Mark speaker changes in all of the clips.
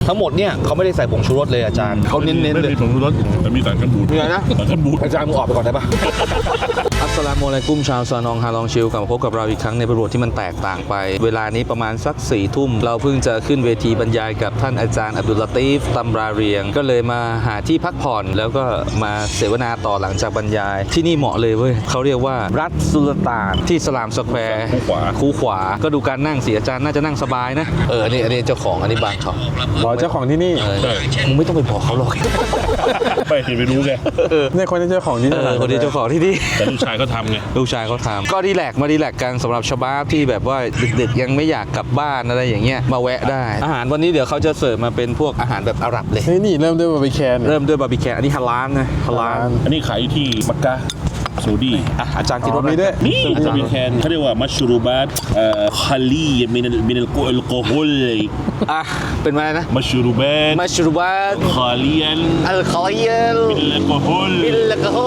Speaker 1: ทั้งหมดเนี่ยเขาไม่ได้ใส่ผงชูรสเลยอาจารย์เขาเน้นๆเลย
Speaker 2: ไม่มีผงชูรสแต่มีสารกันบูด
Speaker 1: มีอะไรนะ
Speaker 2: สารกันบูด
Speaker 1: อาจารย์มึงออกไปก่อนได้ปะอัสสลามุอะลัยกุมชาวซานองฮาลองชิลกลับมาพบกับเราอีกครั้งในบทที่มันแตกต่างไปเวลานี้ประมาณสัก4 ทุ่มเราเพิ่งจะขึ้นเวทีบรรยายกับท่านอาจารย์อับดุลลาตีฟตัมราเรียงก็เลยมาหาที่พักผ่อนแล้วก็มาเสวนาต่อหลังจากบรรยายที่นี่เหมาะเลยเว้ยเขาเรียกว่ารัฐสุลต่านที่สลามสแควร์คูขวาก็ดูการนั่งสิอาจารย์น่าจะนั่งสบายนะอันนี้เจ้าของอันนี้บางเขา
Speaker 3: บอกเจ้าของที่นี่
Speaker 1: มึงไม่ต้องไปบอกเขาหรอก
Speaker 2: ไม่เห็นไปรู้ไง
Speaker 3: เนี่ยคนที่เจ้าของที่นี่
Speaker 1: คนที่เจ้าของที่นี่
Speaker 2: แต่ลูกชายเขาทำไง
Speaker 1: ลูกชายเขาทำก็ดีแลกกันสำหรับชาวบ้านที่แบบว่าดึกๆยังไม่อยากกลับบ้านอะไรอย่างเงี้ยมาแวะได้อาหารวันนี้เดี๋ยวเขาจะเสิร์ฟมาเป็นพวกอาหารแบบอาหรับเลย
Speaker 3: เฮ้ยนี่เริ่มด้วยบาร์บีแคน
Speaker 1: เริ่มด้วยบาร์บีแคนอันนี้ฮาลาลนะฮาลาล
Speaker 2: อันนี้ขายอยู่ที่มักกะซาอุดี
Speaker 1: อาจารย์กินรส
Speaker 3: มีด้วย
Speaker 2: นี่จะมีแคนเขาเรียกว่ามัชรูบัตคาลีมินัลโกฮอล
Speaker 1: เป็นอะไรนะ
Speaker 2: มัชรูบัต
Speaker 1: มัชรูบัต
Speaker 2: คาลียัน
Speaker 1: อัลคอเยล
Speaker 2: มินัลโกฮอล
Speaker 1: บิลลกะโฮ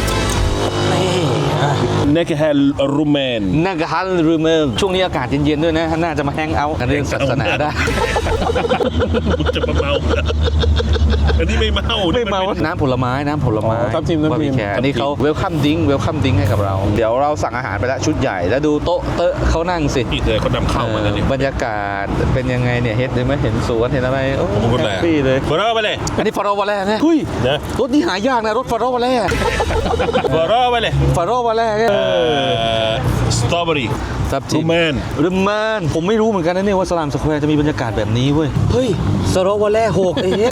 Speaker 2: นักฮัลรูแมน
Speaker 1: นักฮัลรูเมลช่วงนี้อากาศเย็นๆด้วยนะน่าจะมาแฮงเอาท์กันเรื่องศาสนาได้
Speaker 2: จะมาเมาอันนี้ไม่เมา
Speaker 1: น้ำผลไม้
Speaker 3: ทับทิม
Speaker 1: บาร์บีแคนอันนี้เขาเวลคัมดิ้งให้กับเราเดี๋ยวเราสั่งอาหารไปแล้วชุดใหญ่แล้วดูโต๊ะเขานั่งสิ
Speaker 2: นี่เลยเขานำเข้ามาแล้วเนี่ย
Speaker 1: บรรยากาศเป็นยังไงเนี่ยเห็นไหมเห็นสวนเห็นอะไรโอ้
Speaker 2: ผมก็
Speaker 1: แฮ
Speaker 2: แหละ
Speaker 1: ปปี้เลย
Speaker 2: บอร์ไปเลย
Speaker 1: อันนี้ฟาโรวาแล่นะเฮ้ย
Speaker 2: นะ
Speaker 1: รถนี่หายากนะรถฟาโรวาแล่
Speaker 2: บอร์ไปเลย
Speaker 1: ฟาโรวาแล่เนี่ย
Speaker 2: สตรอเบอรี่
Speaker 1: ทับทิ
Speaker 2: รูแมน
Speaker 1: รูแมนผมไม่รู้เหมือนกันนะเนี่ยว่าสลามสแควร์จะมีบรรยากาศแบบนี้เว้ยเฮ้ยฟาโรวาแล่หก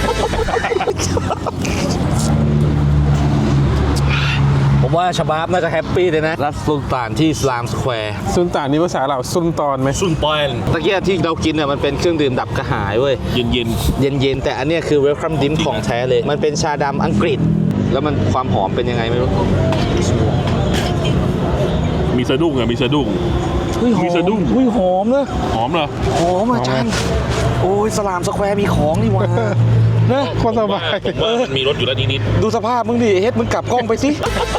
Speaker 1: ผมว่าชาบาบน่าจะแฮปปี้เลยนะรัฐสุลต่านที่สลามสแควร์
Speaker 3: ซุนตานนี่ภาษาเราซุนตอนไหม
Speaker 2: ซุนปอยน
Speaker 1: ตะเกียบที่เรากินเนี่ยมันเป็นเครื่องดื่มดับกระหายเว้ย
Speaker 2: เย็น
Speaker 1: เย็นๆแต่อันเนี้ยคือเวลคัมดิ้งของแท้เลย มันเป็นชาดำอังกฤษ แล้วมันความหอมเป็นยังไงไม่รู้
Speaker 2: ๆมีสะดุ้งอ่ะมีสะดุ้ง
Speaker 1: เฮ้ยหอ
Speaker 2: มี
Speaker 1: ม
Speaker 2: สะดุ้ง
Speaker 1: เฮ้ยหอมนะ
Speaker 2: หอมเหรอ
Speaker 1: หอมอาจารย์โอ้ยสลามสแควร์มีของนี่หว่านะ
Speaker 3: โคตรสบาย
Speaker 2: ผมว่ามันมีรถอยู่แล้วนิด
Speaker 1: ดูสภาพมึงดิเฮ็ดมึงกลับกล้องไปสิ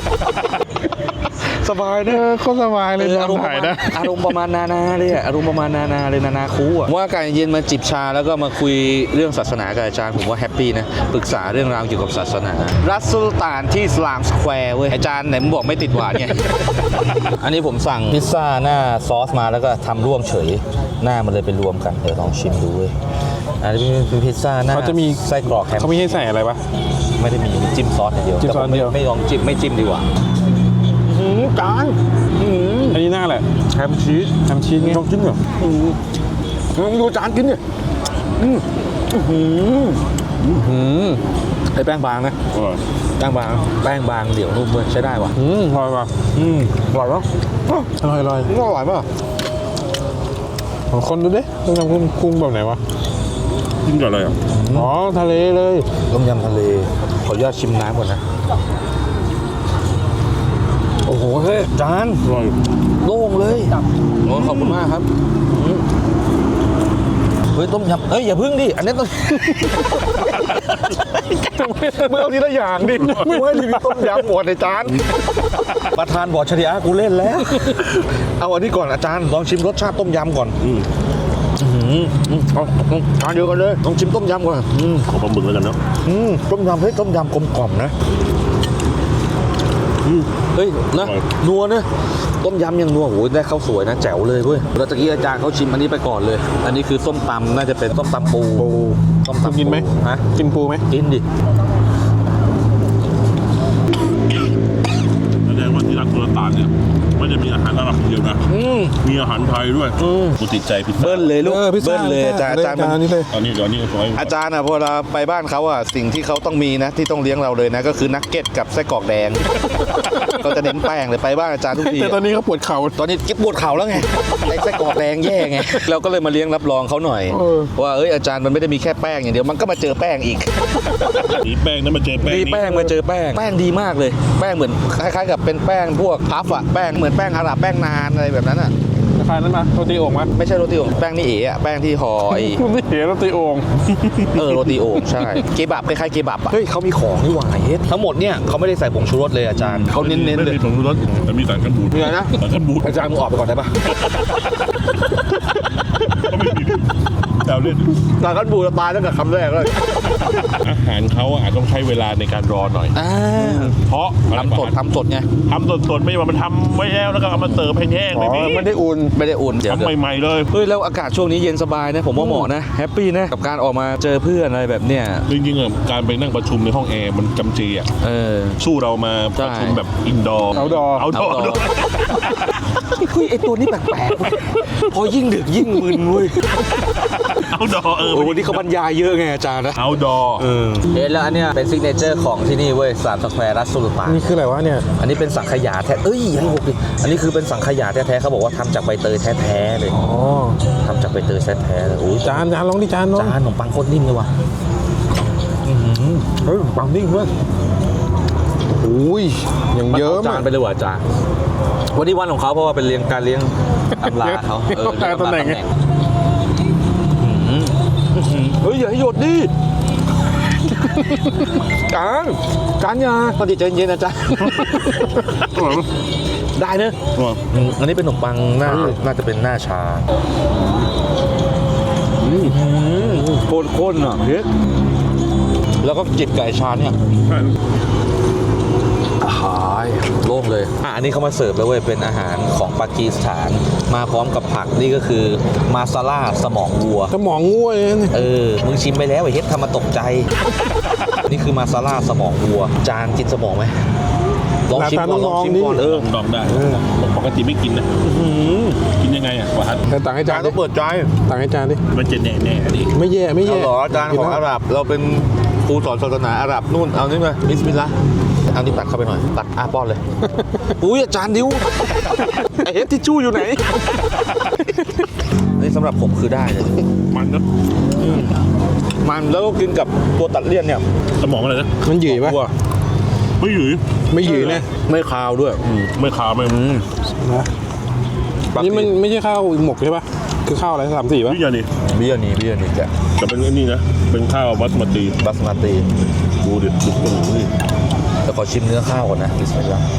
Speaker 1: สบายนะ
Speaker 3: โคตรสบายเลยนอนถ่ายนะ
Speaker 1: อารมณ์ประมาณนานาเลยอะอารมณ์ประมาณนานาเลยนานาคูอะว่าการเย็นมาจิบชาแล้วก็มาคุยเรื่องศาสนากับอาจารย์ผมว่าแฮปปี้นะปรึกษาเรื่องราวเกี่ยวกับศาสนารัฐสุลต่านที่สลามสแควร์เว้ยอาจารย์ไหนมึงบอกไม่ติดหวานไง อันนี้ผมสั่งพิซซ่าหน้าซอสมาแล้วก็ทำร่วมเฉยหน้ามันเลยไปรวมกันเดี๋ยวลองชิมดูเว้ยอันนี้เป็นพิซซ่าหน้า
Speaker 3: เขาจะมี
Speaker 1: ไส้กรอกแฮม
Speaker 3: เขาไม่ให้ใส่อะไรปะ
Speaker 1: ไม่ได้มีจิ้มซอสอย่างเดียว
Speaker 3: จิ้มซอส
Speaker 1: แต่ผ
Speaker 3: เดียว
Speaker 1: ไม่ลองจิ้มไม่จิ้มดีกว่าจาน
Speaker 3: อันนี้หน้าแหละ
Speaker 1: แฮมชีส
Speaker 3: ทำชีสไง
Speaker 1: ลองจิ้มเหรอดูจานกินเนี่ยไอ้แป้งบางนะ
Speaker 2: ๆอร่อย
Speaker 1: แป้งบางเดี๋ยวนุ่มเลยใช้ได้ว่ะ
Speaker 3: อร่อยป่ะ
Speaker 1: อร่อยปะ
Speaker 3: อร่อย
Speaker 1: อร่อยปะ
Speaker 3: ของคนดูดิต้องทำกุ้งแบบไหนวะ
Speaker 2: กินกับอะไรอ่ะ
Speaker 3: อ๋อทะเลเลย
Speaker 1: ต้มยำทะเลขออนุญาตชิมน้ำก่อนนะโอ้โหเฮ้ยจาน
Speaker 2: อร่อย
Speaker 1: โล่งเลยโอ้ขอบคุณมากครับเฮ้ยต้มยำเฮ้ยอย่าพึ่งดิอันนี้ต้อง เมื่อเอาทีละอย่างดิไม่ให้รีวิวต้มยำหมดในจานประธานบอกชริอะห์กูเล่นแล้ว เอาอันนี้ก่อนอาจารย์ลองชิมรสชาติต้มยำก่อนเอาทานเดียวกันเลยลองชิมต้มยำก่อน
Speaker 2: ขอปลาหมึกแล้วกันเนาะ
Speaker 1: ต้มยำเฮ้ยต้มยำกลมกล่อมนะเฮ้ยนะนัวนะต้มยำยังนัวโหได้ข้าวสวยนะแจ๋วเลยเว้ยแล้วตะกี้อาจารย์เขาชิมอันนี้ไปก่อนเลย อันนี้คือส้มตำน่าจะเป็นส้มตำปูส้มตำปู
Speaker 3: กินไหม
Speaker 1: ฮะ
Speaker 3: กินปูไหม
Speaker 1: กินดิ
Speaker 2: แสดงว่าที่รักสุลต่านเนี่ยไม่ได้มีอาหารอาหรับเดียวนะมีอาหารไทยด้วยกูติดใจพิซซ่า
Speaker 1: เบิ้ลเลยลูก
Speaker 3: พิซซ่า
Speaker 1: เบิ้ลเลยอาจารย์
Speaker 3: อันนี้เลย
Speaker 2: ตอนนี้เดี๋ยวนี้ขอให้
Speaker 1: อาจารย์พอเราไปบ้านเขาสิ่งที่เขาต้องมีนะที่ต้องเลี้ยงเราเลยนะก็คือนักเก็ตกับไส้กรอกแดง ก็จะเน้นแป้งเลยไปบ้านอาจารย์ทุกที
Speaker 3: แต่ตอนนี้เขาปวดเข่า
Speaker 1: ตอนนี้กิ๊บปวดเข่าแล้วไงไส้กรอกแดงแย่ไงเราก็เลยมาเลี้ยงรับรองเขาหน่อยว่าอาจารย์มันไม่ได้มีแค่แป้งอย่างเดียวมันก็มาเจอแป้งอีก
Speaker 2: นี่แป้งนั้นมาเจอแป้ง
Speaker 1: มี
Speaker 2: นี่
Speaker 1: แป้งมาเจอแป้งดีมากเลยแป้งเหมือนคล้ายๆกับเป็นแป้งพวกพัฟอะแป้งเหมือนแป้งอาหรับแป้งนานอะไรแบบนั้นอะ
Speaker 3: ราคานั้นมาโรตีโอ่งมา
Speaker 1: ไม่ใช่โรตีโอ่งแป้งนี่เอ๋อะแป้งที่ห่อไอ้
Speaker 3: คุณไม่เห็นโรตีโอ่ง
Speaker 1: โรตีโอ่งใช่เกบับคล้ายๆเกบับอะเฮ้ยเขามีของนี่หว่าเฮ็ดทั้งหมดเนี่ยเขาไม่ได้ใส่ผงชูรสเลยอาจารย์เขาเน้นๆ
Speaker 2: ไม่
Speaker 1: เลย
Speaker 2: มีผงชูรสแต่มีสารกันบูด
Speaker 1: มีอะไรนะ
Speaker 2: สารกันบูด
Speaker 1: อาจารย์มึงออกไปก่อนได้ปะ
Speaker 2: ก็ไม่มีแซวเล่น
Speaker 3: ตากันบูตายตั้งแต่คำแรกเลย
Speaker 2: อาหารเขาอาจต้องใช้เวลาในการรอหน่อย เพราะ
Speaker 1: ทำสดไง
Speaker 2: ทำสดๆไม่ใช่ว่ามันทำไว้แล้วก็เอามาเสิร์ฟแห้งๆ
Speaker 3: อ๋
Speaker 2: ไม่
Speaker 3: อ
Speaker 2: มี
Speaker 3: ไม่ได้อุ่น
Speaker 1: ไม่ได้อุ่นเดี๋ยว
Speaker 2: ทำใหม่ๆเลย
Speaker 1: เฮ้ยแล้วอากาศช่วงนี้เย็นสบายนะผมว่าเหมาะนะแฮปปี้นะกับการออกมาเจอเพื่อนอะไรแบบเนี้ย
Speaker 2: จริงๆการไปนั่งประชุมในห้องแอร์มันจำเจอ่ะ สู้เรามาประชุมแบบอินดอร์
Speaker 3: outdoor
Speaker 2: เอาดอร์
Speaker 1: เฮ้ยไอตัวนี้แปลกๆพอยิ่งดึกยิ่งมึนเว้ย
Speaker 2: เอาดอร์
Speaker 1: วันนี้เขาบรรยายเยอะไงอาจารย์นะ
Speaker 2: เอาดอร์
Speaker 1: แล้วอันเนี้ยเป็นซิกเนเจอร์ของที่นี่เว้ย3 สแควร์รัสสุลต่าน
Speaker 3: นี่คืออะไรวะเนี่ย
Speaker 1: อันนี้เป็นสังขยาแท้ยังหกดิอันนี้คือเป็นสังขยาแท้ๆเขาบอกว่าทำจากใบเตยแท้ๆเลย
Speaker 3: อ๋อ
Speaker 1: ทำจากใบเตยแท้ๆเลยโอ้ย
Speaker 3: จานลองดิจานลอง
Speaker 1: จานขนมปังโคตรนิ่มเลยว่ะ
Speaker 3: เฮ้ยปังนิ่งเพื่อนอุ้ยอย่างเยอะ
Speaker 1: จานไปเลยว่ะอาจารย์วันนี้วันของเขาเพราะว่าเป็นการเลี้ยงอำลาเขาเลี้ยงอำลาตำแหน่งเฮ้ยอย่าให้หยดดิจานยาตอนนี้ใจเย็นๆนะจ๊ะได้เนอะอันนี้เป็นขนมปังน่าจะเป็นหน้าชาโคตรข้นอ่ะเฮ้ยแล้วก็จิตไก่ชาเนี่ยหายโล่งเลยอันนี้เขามาเสิร์ฟแล้วเว้ยเป็นอาหารของปากีสถานมาพร้อมกับผักนี่ก็คือมาซาล่าสมองวัว
Speaker 3: สมองงัวเลยนะ
Speaker 1: มึงชิมไปแล้วไอ้เฮ็ดทำมาตกใจ นี่คือมาซาล่าสมองวัว จานกินสมองไหมลองชิมก่อน
Speaker 2: ลองได้ปกติไม่กินนะกินยังไงอ่ะวะฮัท
Speaker 3: แต่ต่างให้จาน
Speaker 1: ต้องเปิดใจ
Speaker 3: ต่างให้จานดิ
Speaker 2: มันจะแน่ๆดิ
Speaker 3: ไม่แย่ไม่แย่
Speaker 1: เอาเหรออาจารย์ของอาหรับเราเป็นครูสอนศาสนาอาหรับนู่นเอานี่มาบิสมิลลาห์เอานี่ตัดเข้าไปหน่อยตัดป้อนเลยอุ้ยอาจารย์ดิวไอเฮ็ดทิชชู่อยู่ไหนนี่สำหรับผมคือได้เลย
Speaker 2: มันนะ
Speaker 1: มันแล้วก็กินกับตัวตัดเลี่ยนเนี่ย
Speaker 2: สมองอะไรนะ
Speaker 3: มันหยีปะ
Speaker 2: ไม่หยือ
Speaker 3: ไม่หยีนะ
Speaker 1: ไม่คาวด้วย
Speaker 2: ไม่คาวไม่
Speaker 3: นะนี่มันไม่ใช่ข้าวหมกใช่ปะคือข้าวอะไร3-4ปะ
Speaker 2: วิญญาณนี่
Speaker 1: เบียร์นี่แก
Speaker 2: แต่เป็นนี่นะเป็นข้าวบัสมาติ
Speaker 1: บัสมาติ
Speaker 2: ดูดิดูตรงนี้
Speaker 1: แต่ขอชิมเนื้อข้าวก่อนนะบิสมิลลาห์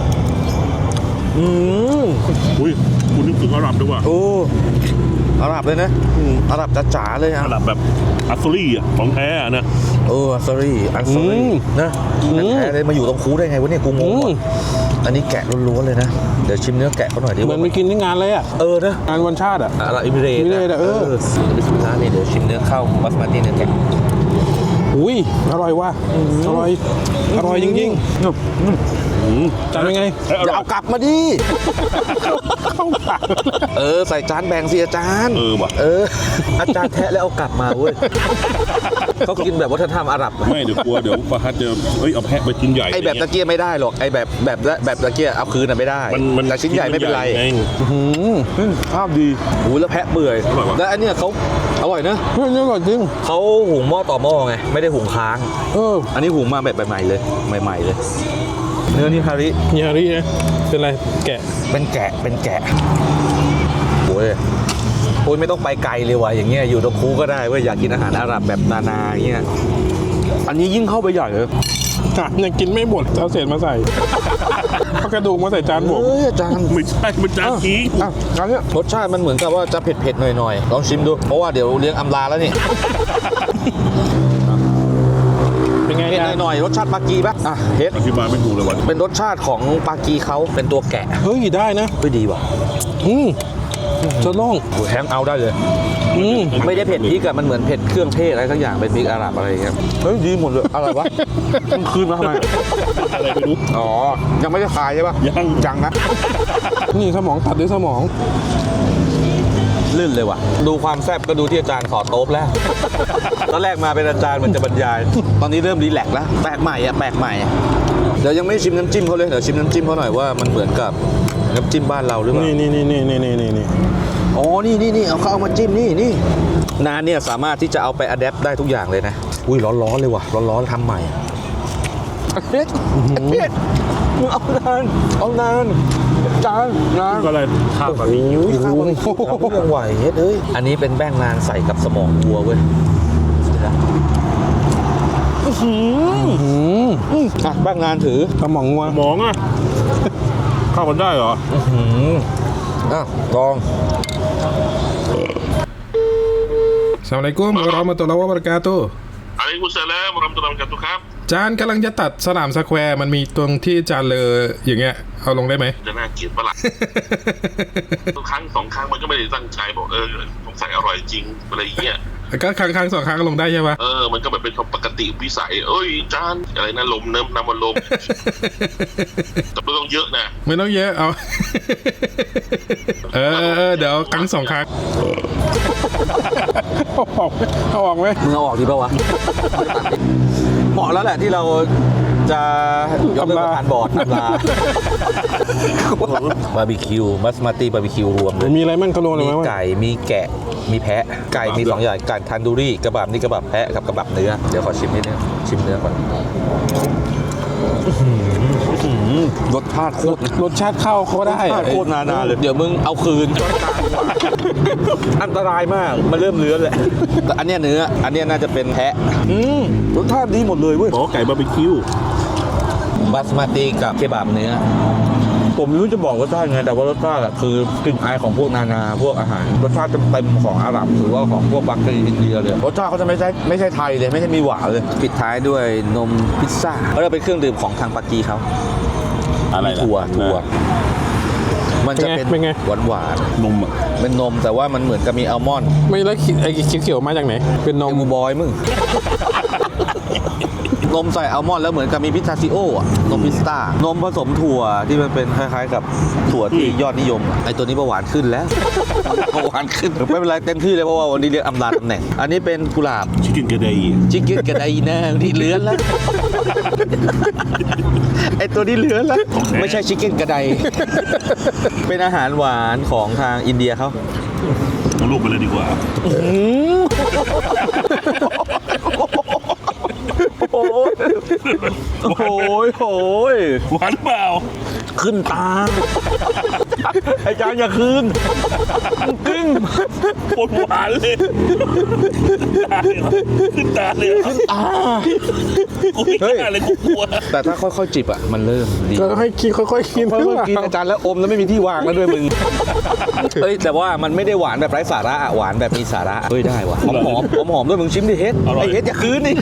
Speaker 2: อุ้ยคุณนึกถึงอาหรับด้วยว่ะ
Speaker 1: โอ้อาหรับเลยนะอาหรับจ๋าๆเลยอ่ะ
Speaker 2: อาหรับแบบอัสซอรี่อ่ะของแท้อะนะ
Speaker 1: อัสรีนะแท้เลยมาอยู่ตรงคูได้ไงวะเนี่ยกูงงว่ะอันนี้แกะล้วนๆเลยนะเดี๋ยวชิมเนื้อแกะเขาหน่อยดิ
Speaker 3: เหมือนไปกินที่งานเลยอ่ะ
Speaker 1: นะ
Speaker 3: งานวันชาติอ่ะ
Speaker 1: อาหรับอิมิเรต บิสมิลลาห์นี่เดี๋ยวชิมเนื้อข้าวบัสมาติเนื้อแกะ
Speaker 3: อุ้ยอร่อยว่ะอร่อยจริงๆจานเป็นไง
Speaker 1: อย่าเอากลับมาดิใส่จานแบ่งสิอาจารย์
Speaker 2: ว่ะ
Speaker 1: อาจารย์แทะแล้วเอากลับมาเว้ยเขากินแบบวัฒนธรรมอาหรับ
Speaker 2: ไม่เดี๋ยวกลัวเดี๋ยวฟาฮัดจะเอาแพะไปชิ้นใหญ่
Speaker 1: ไอแบบตะเกียบไม่ได้หรอกไอแบบตะเกียบเอาคืนน่ะไม่ได้แต่ชิ้นใหญ่ไม่เป็นไรภาพดีหูแล้วแพะเปื่อยแล้วอันเนี้ยเขาอร่อยนะ
Speaker 3: เฮ้ยนี่อร่อยจริง
Speaker 1: เขาหุงหม้อต่อหม้อไงไม่ได้หุงค้าง อันนี้หุงมาแบบใหม่ๆเลยใหม่ๆเลยเนื้อนี่ฮาริ
Speaker 3: นี่ฮารินะเป็นอะไรแกะ
Speaker 1: เป็นแกะโอ้ยไม่ต้องไปไกลเลยว่ะอย่างเงี้ยอยู่ตรงคูก็ได้เว้ยอยากกินอาหารอาหรับแบบนาๆเงี้ยอันนี้ยิ่งเข้าไปใหญ่เลย
Speaker 3: ยังกินไม่หมดเอาเศษมาใส่เอากระดูกมาใส่จานผม
Speaker 1: อาจารย์
Speaker 2: ไม่ใช่มันจานกี้
Speaker 1: อันนี้รสชาติมันเหมือนกับว่าจะเผ็ดๆหน่อยๆลองชิมดูเพราะว่าเดี๋ยวเลี้ยงอำลาแล้วนี่
Speaker 3: เป็นไง
Speaker 1: เผ็ด
Speaker 3: เนี่ย
Speaker 1: หน่อยๆรสชาติปากีป่ะเฮ็ด
Speaker 2: อธิบายไม่ถูกเลยวัน
Speaker 1: เป็นรสชาติของปากีเขาเป็นตัวแกะ
Speaker 3: เฮ้ยได้นะ
Speaker 1: เฮ้ยดีว่ะ
Speaker 3: จะล่อง
Speaker 1: แฮงเอาได้เลยไม่ได้เผ็ดพริกอะมันเหมือนเผ็ดเครื่องเทศอะไรทั้งอย่างเป็นพริกอาหรับอะไรอย่างเงี้ยเฮ้ยดีหมดเลยอะไรวะมันคืนมาทำไม
Speaker 2: อะไรไม่รู้
Speaker 1: อ๋อยังไม่ได้ขายใช่ป่ะ
Speaker 2: ยัง
Speaker 1: นะ
Speaker 3: นี่สมองตัดด้วยสมอง
Speaker 1: ลื่นเลยว่ะดูความแซ่บก็ดูที่อาจารย์ขอโต๊ะแล้ว ตอนแรกมาเป็นอาจารย์เหมือนจะบรรยาย ตอนนี้เริ่มรีแลกซ์แล้วแปลกใหม่เดี๋ยวยังไม่ชิมน้ำจิ้มเขาเลยเดี๋ยวชิมน้ำจิ้มเขาหน่อยว่ามันเหมือนกับน้ำจิ้มบ้านเราหรือเปล่า
Speaker 3: นี่
Speaker 1: อ๋อนี่เอาเขาเอามาจิ้มนี่นานเนี่ยสามารถที่จะเอาไปอัดแอปได้ทุกอย่างเลยนะอุ้ยร้อนเลยว่ะร้อนทำใหม่เฮ็ดมึงเอานานจานนาน
Speaker 2: ก็เลยข้าวกับนี้
Speaker 1: ข้าวมันเรื่องไหวเฮ็ดเอ้ยอันนี้เป็นแป้งนานใส่กับสมองวัวเว้ยแป้งนานถือ
Speaker 3: สมองงัว
Speaker 2: หมองอ่ะข้าวมันได้เหรอ
Speaker 1: ลอง
Speaker 3: Assalamualaikum warahmatullahi wabarakatuh
Speaker 2: อะลัยกุมุสสลามวะเราะห์มะตุลลอฮิวะบะเราะกาตุฮ์ครับ
Speaker 3: จานกำลังจะตัดสนามสแควร์มันมีตรงที่จานเลออย่างเงี้ยเอาลงได้ไหม
Speaker 2: จะน่าเกลียดปะล่ะ ครั้งสองครั้งมันก็ไม่ได้ตั้งใจบอกสงสัยอร่อยจริงอะไรเงี้ย
Speaker 3: ก็ครั้งสองครั้งลงได้ใช่ปะ
Speaker 2: มันก็แบบเป็นปกติวิสัยจานอะไรนะลมน้ำมันลม แต่ไม่ต้องเยอะนะ
Speaker 3: ไม่ต้องเยอะเอา เดี๋ยวครั้งสองครั้งเอาออกไหม
Speaker 1: มึงเอาออกดีป่าวะ เหมาะแล้วแหละที่เราจะยกเลิกประธานบอร์ดอำลาบาร์บีคิวมัสมาตี้บาร์บีคิวรวมเลย
Speaker 3: มีอะไรมั่งกระโดดหรือ
Speaker 1: มี
Speaker 3: ไม่
Speaker 1: ไก่มีแกะมีแพะไก่มี2อย่างไก่ทันดูรี่กระบับนี่กระบับแพะกับกระบับเนื้อเดี๋ยวขอชิมนิดนึงชิมเนื้อก่อนรสชาติโคตร
Speaker 3: รสชาติข้าวเขาได้
Speaker 1: โคตรนาเลยเดี๋ยวมึงเอาคืนอันตรายมากมันเริ่มเลื้อนแหละแต่อันเนี้ยเนื้ออันเนี้ยน่าจะเป็นแพะรสชาติดีหมดเลยเว้ย
Speaker 2: อ๋อไก่บาร์บีคิว
Speaker 1: บัสมาติกับเคบับเนื้อผมไม่รู้จะบอกรสชาติไงแต่ว่ารสชาติคือกลิ่นอายของพวกนานาพวกอาหารรสชาติเต็มของอาหรับหรือว่าของพวกบักกรีอินเดียเลยรสชาติเขาจะไม่ใช่ไทยเลยไม่ใช่มีหวานเลยปิดท้ายด้วยนมพิซซ่าก็จะเป็นเครื่องดื่มของทางปากีเขา
Speaker 2: อะไรล่ะ
Speaker 1: ถั่วมันจะเป็น
Speaker 3: เป็นไง
Speaker 1: หวาน
Speaker 2: นมอ่ะ
Speaker 1: ๆเป็นนมแต่ว่ามันเหมือนกับมีอัลมอนด์
Speaker 3: ไม่แล้วไอ้เขียวๆมาจากไหนเป็นน
Speaker 1: น
Speaker 3: ม
Speaker 1: มบอยมึง นมใส่อัลมอนด์แล้วเหมือนกับมีพิสตาชิโออะนมพิสตานมผสมถั่วที่มันเป็นคล้ายๆกับถั่วที่ยอดนิยมอะไอตัวนี้เบาหวานขึ้นแล้ว เบาหวานขึ้นไม่เป็นไรเต็มที่เลยเพราะว่าวันนี้เรียกอำลาตำแหน่ง อันนี้เป็นกุหลาบ
Speaker 2: ชิคกี้นกระเดย
Speaker 1: ชิคกี้กระไดแน่ที่เลื้อนแล้ว ไอตัวนี้เลื้อนแล้ว ไม่ใช่ชิคกี้กระได เป็นอาหารหวานของทางอินเดียเขา
Speaker 2: เอาลูกไปเลยดีกว่า
Speaker 1: โอ้ย
Speaker 2: หวานเปล่า
Speaker 1: ขึ้นตาอาจารย์อย่าคืนจริง
Speaker 2: โคตรหวานเลยขึ้นตาเลยขึ้นตากูไม่กล้าเลยกูกลัว
Speaker 1: แต่ถ้าค่อยๆจิบอ่ะมันเริ่มดี
Speaker 3: ก็ให้กินค่อยๆกิน
Speaker 1: เพิ่มกินอาจารย์แล้วอมแล้วไม่มีที่วางแล้วด้วยมึงเฮ้ยแต่ว่ามันไม่ได้หวานแบบไร้สาระอะหวานแบบมีสาระเฮ้ยได้ว่ะหอมด้วยมึงชิมดิเฮ็ดไอเฮ็ดอย่าคืนดิ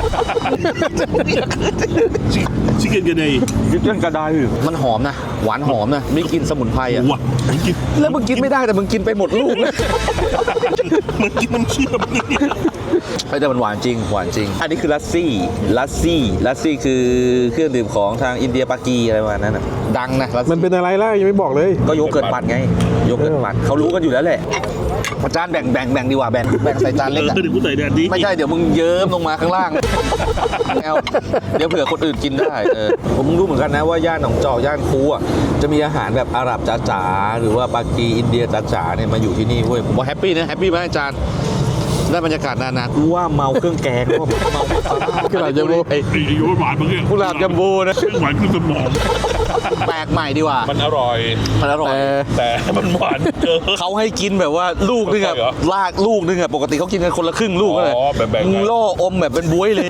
Speaker 2: ชิคกี้นกระเดย
Speaker 1: ยึดเรื่องกระดายมันหอมนะหวานหอมนะมีกลิ่นสมุนไพรอ่ะ
Speaker 2: ว้ากิน
Speaker 1: แล้วมึงกินไม่ได้แต่มึงกินไปหมดลูกเลย
Speaker 2: มันกินมันเชื่อมนี่
Speaker 1: แต่มันหวานจริงหวานจริง อันนี้คือลัสซี่คือเครื่องดื่มของทางอินเดียปากีอะไรประมาณนั้นนะดังนะลัส
Speaker 3: มัน
Speaker 1: ซี่
Speaker 3: เป็นอะไรล่ะยังไม่บอกเลย
Speaker 1: ก็โยเกิร์ตปั่นไงโยเกิร์ตปั่นเขารู้กันอยู่แล้วแหละอาจารย์แบ่งดีกว่าแบ่งใส่จานเล็กอะ
Speaker 2: เดี๋ยวกูใส่แดดดี
Speaker 1: ไม่ใช่เดี๋ยวมึงเยิ้มลงมาข้างล่างเอาเดี๋ยวเผื่อคนอื่นกินได้ผมรู้เหมือนกันนะว่าย่านหนองจอกย่านคูอ่ะจะมีอาหารแบบอาหรับจ๋าๆหรือว่าปากีอินเดียจ๋าๆเนี่ยมาอยู่ที่นี่เว้ยผมว่าแฮปปี้นะแฮปปี้ไหมอาจารย์ได้บรรยากาศนากูว่าเมาเครื่องแกงว่าเมา
Speaker 3: กุหลาบจัมโบ้
Speaker 2: ไอ้ยูหวานเมื่อกี้
Speaker 1: กุหลาบจัมโบ้นะ
Speaker 2: หวานขึ้นสมอง
Speaker 1: แปลกใหม่ดีกว่า
Speaker 2: มันอร่อย
Speaker 1: มันอร่อย
Speaker 2: แต่มันหวานเกิน
Speaker 1: เขาให้กินแบบว่าลูกนึงอะ
Speaker 2: เหรอ
Speaker 1: ลากลูกนึงอะปกติเขากินกันคนละครึ่งลูกก็เลย
Speaker 2: อ๋อแบ่งๆกัน
Speaker 1: มึงล่ออมแบบเป็นบ๊วยเลย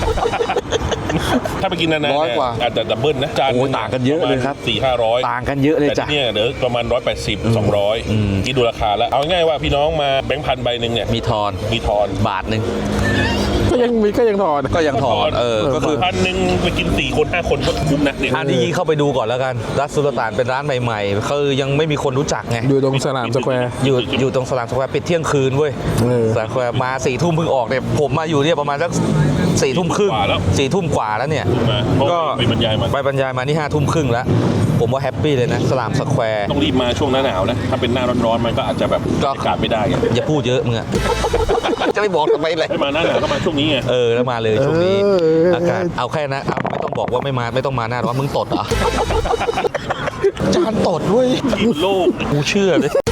Speaker 2: ถ้าไปกินนานๆ
Speaker 1: ร้อยกว่า
Speaker 2: อาจจะดับเบิลนะจาน
Speaker 1: โอ้ยต่างกันเยอะเลยครับ
Speaker 2: 400-500
Speaker 1: ต่างกันเยอะเลย
Speaker 2: แต่
Speaker 1: จ้ะ
Speaker 2: ที่เนี่ยเดี๋ยวประมาณ180-200คิดดูราคาแล้ว เอาง่ายว่าพี่น้องมาแบงค์พันใบหนึ่งเนี่ย
Speaker 1: มีทอน
Speaker 2: มีทอน
Speaker 1: บาทหนึ่ง
Speaker 3: ก็ยังถอน
Speaker 1: ก็ยังถอนก็คือ
Speaker 2: พันหนึ่งไปกิน4 คน 5 คนก็คุ้มนะเนี่ย
Speaker 1: อันนี้เข้าไปดูก่อนแล้วกันรัสสุลต่านเป็นร้านใหม่ๆคือยังไม่มีคนรู้จักไง
Speaker 3: อยู่ตรงสนามสแควร์
Speaker 1: อยู่ตรงสลามสแควร์ปิดเที่ยงคืนเว้ย
Speaker 3: เออ
Speaker 1: สลามสแควร์มา4 ทุ่มเพิ่งออกเนี่ยผมมาอยู่เนี่ยประมาณสัก4 ทุ่มครึ่ง
Speaker 2: กว่าแล้ว
Speaker 1: 4 ทุ่มกว่าแล้วเนี่ย
Speaker 2: ถูกไหมเพราะ
Speaker 1: ก็
Speaker 2: ไปบรรยายมา
Speaker 1: ไปบรรยายมานี่5 ทุ่มครึ่งแล้ว ผมว่าแฮปปี้เลยนะสลามสแควร์
Speaker 2: ต้องรีบมาช่วงหน้าหนาวนะ ถ้าเป็นหน้าร้อนๆมันก็อาจจะแบบ
Speaker 1: ก็
Speaker 2: อากาศไม่ได้ไง
Speaker 1: อย่าพูดเยอะมึงอะ จะไม่บอกทำไมเลย
Speaker 2: ให้มาหน้าหนาวก็มาช่วงนี้ไง
Speaker 1: แล้วมาเลยช่วงนี้อากาศเอาแค่นะเอาไม่ต้องบอกว่าไม่ต้องมาหน้าร้อนมึงตดเหรอ จานตดด้วย
Speaker 2: โลก
Speaker 1: กูเชื่อเลย